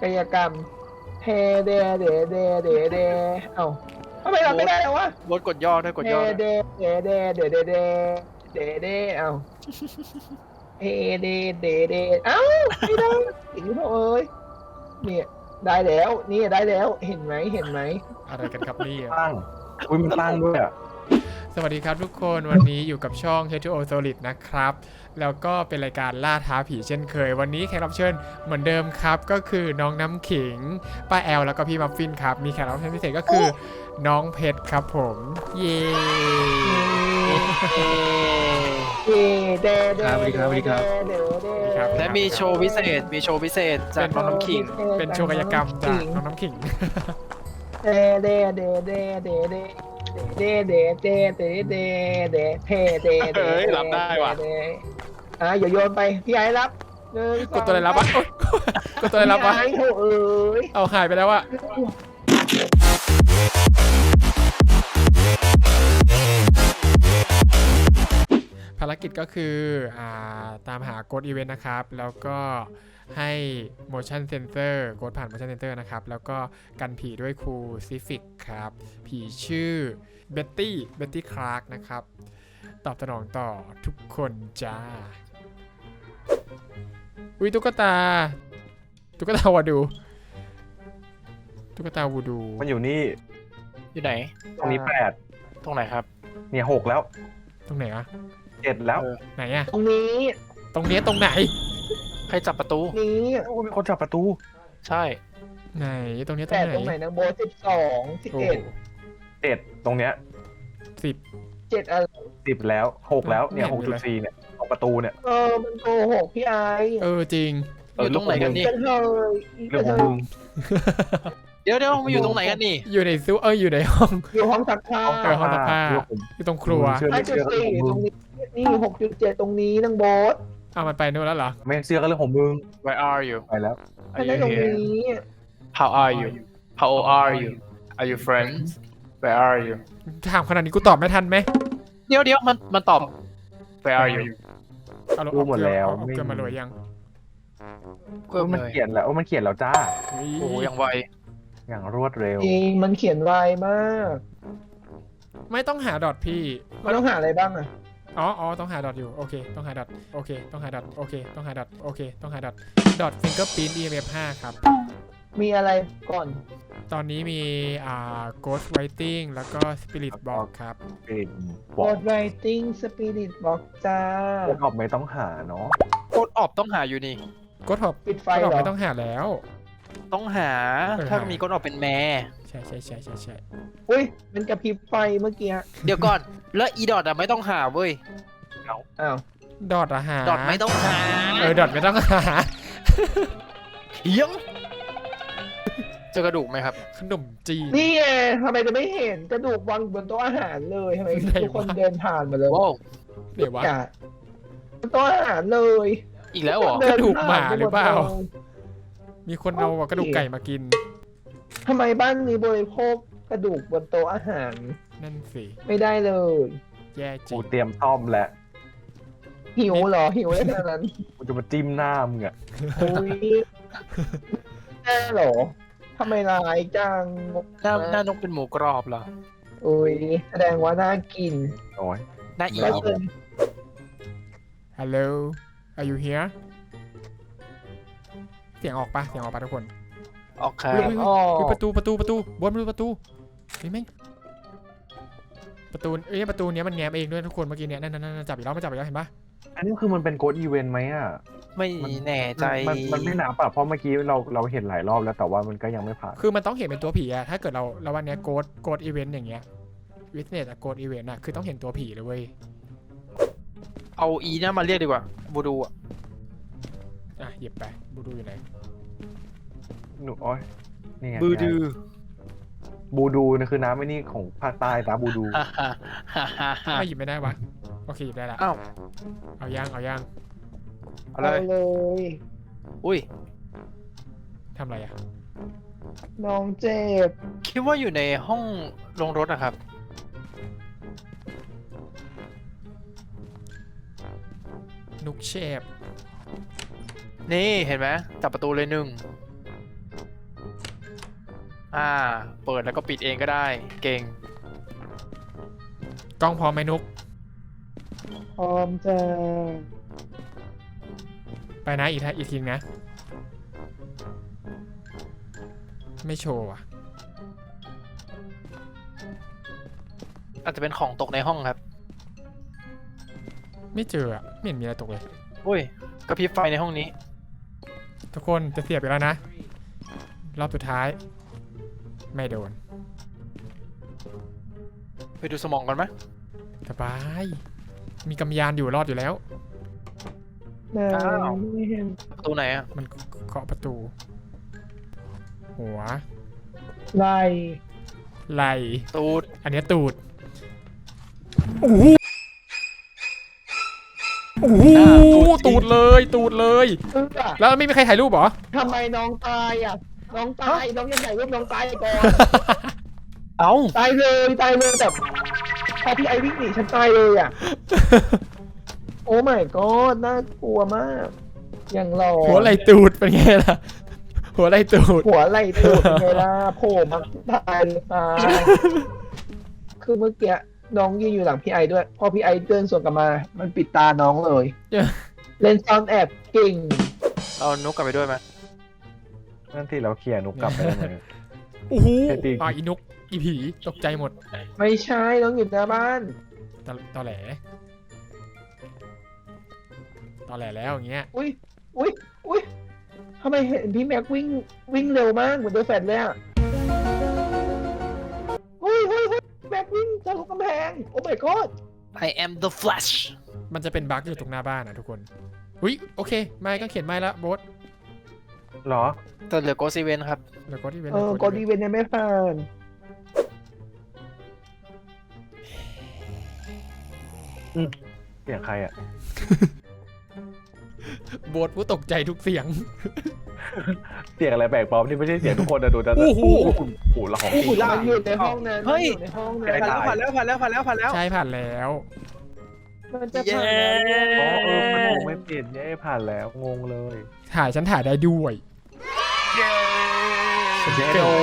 กายกรรมเฮเดเดเดเดเดเอ้าทำไมเราไม่ได้แล้ววะโบทกดย่อด้วยกดเดย่อเดเดเดเดเดเดเดเดเอ้าเฮเดเดเดเอ้าไม่ได้อีกแล้วเอ้ยเนี่ยได้แล้วนี่ได้แล้วเห็นไหมเห็นไหมอะไรกันครับนี่ตั้งอุ้ยมันตั้งด้วยอ่ะสวัสดีครับทุกคนวันนี้อยู่กับช่อง H2O Solid นะครับแล้วก็เป็นรายการล่าท้าผีเช่นเคย วันนี้แขกรับเชิญเหมือนเดิมครับก็คือน้องน้ำขิงป้าแอลแล้วก็พี่มัฟฟินครับมีแขกรับเชิญพิเศษก็คือน้องเพชรครับผมเย้เดเดสวัสดีครับสวัสดีครับเดเดและมีโชว์พิเศษจากน้องน้ำขิงเป็นโชว์กายกรรมจากน้องน้ำขิงเดเดเดเดเดเดเดเดเดเดเดเดเทเดเดเฮ้ยรับได้ว่ะอย่าโยนไปพี่ไอ้รับกดตัวอะไรรับวะกดตัวอะไรรับวะพี่ไอ้โถเอ้ยเอาหายไปแล้วอะภารกิจก็คือตามหาโกดอีเวนต์นะครับแล้วก็ให้ motion sensor โกดผ่าน motion sensor นะครับแล้วก็กันผีด้วยครูซิฟิกครับผีชื่อเบ็ตตี้คลาร์กนะครับตอบสนองต่อทุกคนจ้าอุ้ยตุ๊กตาวาดูตุ๊กตาวูดูมันอยู่นี่อยู่ไหนตรงนี้ตรงไหนครับ 8เนี่ย6แล้วตรงไหนอะ 7แล้วไหนอะตรงนี้ตรงเนี้ยตรงไหนใครจับประตูนี้โอ้มีคนจับประตูใช่ไหนตรงเนี้ยตรแต่งไหนตรงไหนนะโบ12 โอ้โห 11 7ตรงเนี้ย 7อะไร 10แล้ว6แล้วเนี่ยไม่เห็นเลย 6.4เนี่ยตรงประตูเนี่ยมันโกหกพี่ไอ้จริงอยู่ตรงไหนกันนี่กันเลยเรื่องของมึงเดี๋ยวมาอยู่ตรงไหนกันนี่อยู่ในซูอยู่ในห้องอยู่ห้องซักผ้าห้องซักผ้าเรื่องของอยู่ตรงครัวเชื่อไม่เชื่อก็เรื่องของ 5.4 มึตรง งนี้นี่ 6.7 ตรงนี้นังโบสเอามันไปนู่นแล้วเหรอไม่เชื่อก็เรื่องของมึง Where are you ไปแล้วแค่นั้นตรงนี้ How are you How old are you Are you friends Where are you ถามขนาดนี้กูตอบไม่ทันไหมเดี๋ยวมันตอบ Where are you เอารู้หมดแล้วเอาเกินมาเลยยังเพิ่มมันเลยเขียนแล้วมันเขียนแล้วจ้าเฮ้ยโอ้ยังไวอย่างรวดเร็วจริงมันเขียนไวมากไม่ต้องหาดอทพี่มันต้องหาอะไรบ้างอะอ๋อต้องหาดอทอยู่โอเคต้องหาดอทโอเคต้องหาดอทโอเคต้องหาดอทโอเคต้องหาดอทดอทฟิงเกอร์พิ้น EMF 5ครับมีอะไรก่อนตอนนี้มีGhost Writing แล้วก็ Spirit Box ครับเป็นบบออก ดไรติ้งสปิริตบอกจ้าคนออกไม่ต้องหาเนาะโคตรออบต้องหาอยู่นี่ Ghost Hop ปิดไฟก็เหรอไม่ต้องหาแล้วต้องหา ถ้ามีโคตรออบเป็นแม่ใช่อุ้ยมันกระพริบไฟเมื่อกี้เดี๋ยวก่อน แล้วอีดอทอะไม่ต้องหาเว้ยอ้าวดอทหาดอทไม่ต้องหาดอทไม่ต้องหาเถียงเจอกระดูกไหมครับขนมจีนนี่ไงทำไมจะไม่เห็นกระดูกวางบนโต๊ะอาหารเลยทำไมไหนวะทุกคนเดินผ่านมาเลยว้าวเดี๋ยววะอย่าบนโต๊ะอาหารเลยอีกแล้วเหรอเนกระดูกหมาผ่นหรือเปล่าไมดลยมีคนเอากระดูกไก่มากินทำไมบ้านนี้บริโภคกระดูกบนโต๊ะอาหารนั่นสิไม่ได้เลยแย่จริกูงเตรียมซ่อมแล้วหิวเหรอหิวได้ขนาดนั้นกูจะมาจิ้มหน้ามึงอะโอ้ยแน่เหรอทำไมร้ายจังหน้านกเป็นหมูกรอบเหรอโอ้ยแสดงว่าน่ากินโอ้ยหน้าอีก็ครัเชิบญ Hello Are you here เสียงออกปะทุกคนออกครับอุ๊ยอ๋อประตูบนประตูเฮ้ยแม่งประตูประตูเนี้ยมันแง้มเองด้วยทุกคนเมื่อกี้เนี้ยนั่นจับอีกแล้วเห็นปะอันนี้คือมันเป็นโกดอีเวนต์ไหมอ่ะไม่แน่ใจมันไม่นับอ่ะเพราะเมื่อกี้เราเห็นหลายรอบแล้วแต่ว่ามันก็ยังไม่ผ่านคือมันต้องเห็นเป็นตัวผีอะถ้าเกิดเราวันเนี้ยโกดอีเวนต์อย่างเงี้ยวิทเนสอะโกดอีเวนต์อะคือต้องเห็นตัวผีเลยเว้ยเอาอีน่ามาเรียกดีกว่าบูดูอะหยิบไปบูดูอยู่ไหนหนูโอ้ยนี่ไงบูดูบูดูนะคือน้ำไอ้นี่ของภาคใต้ตาบูดูฮ่าฮ่าฮ่าฮ่าฮ่าไม่หยิบไม่ได้วะโอเคหยิบได้ละอ้าวเอาย่างเอาเอาเลยเลยอุ้ยทำอะไรอะน้องเจ็บคิดว่าอยู่ในห้องลงรถอะครับนุกเชฟนี่เห็นไหมจับประตูเลยหนึ่งเปิดแล้วก็ปิดเองก็ได้ เก่งกล้องพร้อมไหมนุกพร้อมจะไปนะอีกทีนะ ไม่โชว์อ่ะอาจจะเป็นของตกในห้องครับไม่เจออ่ะ ไม่เห็นมีอะไรตกเลยอุ้ยกระพริบไฟในห้องนี้ทุกคนจะเสียบอีกแล้วนะ รอบสุดท้าย ไม่โดนไปดูสมองกันไหมสบาย มีกำยานอยู่รอดอยู่แล้วไม่เห็นประตูไหนอะมันเคาะประตู หัวไล่ไหลตูดอันเนี้ยตูด โอ้โหโอ้โหตูดเลย ตูดเลย แล้วไม่มีใครถ่ายรูปเหรอทำไมน้องตายอ่ะ น้องตาย น้องยังไงรูปน้องตายก่อนเอ้าตายเลยแต่พอพี่ไอวิ่งหนีฉันตายเลยอ่ะ โอ้ my god น่ากลัวมาก อย่างหล่อหัวไหลตูดเป็นไงล่ะ หัวไหลตูดหัวไหล่ตูดไงล่ะโผล่มาตายเลยตายคือเมื่อกี้น้องยืนอยู่หลังพี่ไอด้วย พอพี่ไอเดินสวนกลับมา มันปิดตาน้องเลย เล่นซ่อนแอบเก่งเอานุกกลับไปด้วยไหมนั่นที่เราเคลียร์นุกกลับไปได้ไหมโอ้โหแค่ตีอีนุกอีผีตกใจหมดไม่ใช่น้องอยู่หน้าบ้านตอแหลแล้วอย่างเงี้ยอุ้ยทำไมเห็นพี่แม็กวิ่งเร็วมากเหมือนโดนแฟลชเลยอ่ะเฮ้ยแม็กวิ่งทะลุกำแพง โอ้ my god I am the Flash มันจะเป็นบั๊กอยู่ตรงหน้าบ้านนะทุกคนอุ้ยโอเค ไม่ก็เขียนไม่ละโบ๊ทเหรอแต่เหลือโกซีเวนครับเดี๋ยวก็ที่เว้นกดอีเวนต์ยังไม่ผ่านเสียงใครอ่ะโบ๊ทผู้ตกใจทุกเสียงเสียงอะไรแปลกปลอมที่ไม่ใช่เสียงทุกคนนะดูนะโอ้โหโอ้โหละของจริงมันอยู่ในห้องนั้นเฮ้ยมันอยู่ในห้องนั้ไอ้นตายผ่านแล้วใช่ผ่านแล้วมันจะผ่านแล้วอ๋อมันงงไม่เปลี่ยนเนี่ยผ่านแล้วงงเลยฉันถ่ายได้ด้วยเย้เจ๊โด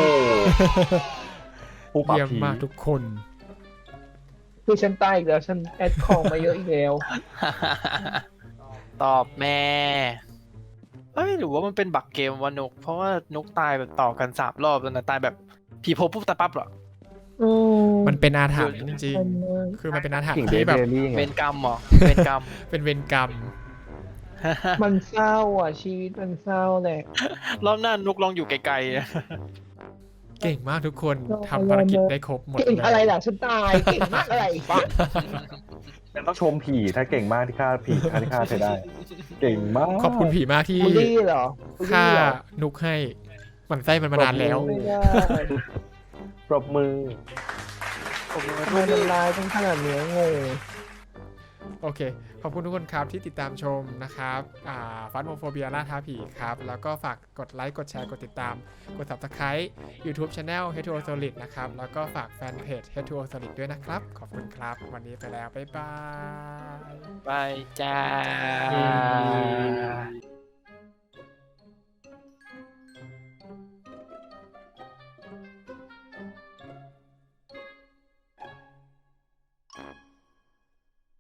ผู้ปรับเยี่ยมผีมากทุกคนคือฉันตายอีกแล้วฉันแอดของมาเยอะอีกแล้วตอบแม่เอ้ยหรือว่ามันเป็นบักเกมวะนุก เพราะว่านุกตายแบบต่อกัน3 รอบแล้วนะตายแบบผีโผล่ปุ๊บตายปั๊บเหรอมันเป็นอาถรรพ์จริงๆ คือมันเป็นอาถรรกิ่งพ์เดที่แบบลี่ไงเป็นกรรมเหรอเป็นกรรมเป็นเวรกรรมมันเศร้าอ่ะ ชีวิตมันเศร้าแหละรอบหน้านุกลองอยู่ไกลๆเก่งมากทุกคนทำภารกิจได้ครบหมดเก่งเลยอะไรล่ะฉันตายเก่งมากอะไรปะแต่ต้องชมผีถ้าเก่งมากที่ฆ่าผีที่ฆ่าเธอได้ เก่งมากขอบคุณผีมากที่บูลลี่เหรอบูลฆ่าลี่เหรอนุกให้หมันไส้มันมานานแล้วไม่ได้ปรบมือผมทำไมมันร้ายเป็นขนาดเนี้ยงงโอเค ขอบคุณทุกคนครับที่ติดตามชมนะครับฟันโมโฟเบียล่าท้าผีครับ แล้วก็ฝากกดไลค์ กดแชร์ กดติดตาม กด Subscribe YouTube Channel H2O Solid นะครับ แล้วก็ฝากแฟนเพจ H2O Solid ด้วยนะครับ ขอบคุณครับ วันนี้ไปแล้ว บ๊ายบายบายจ้า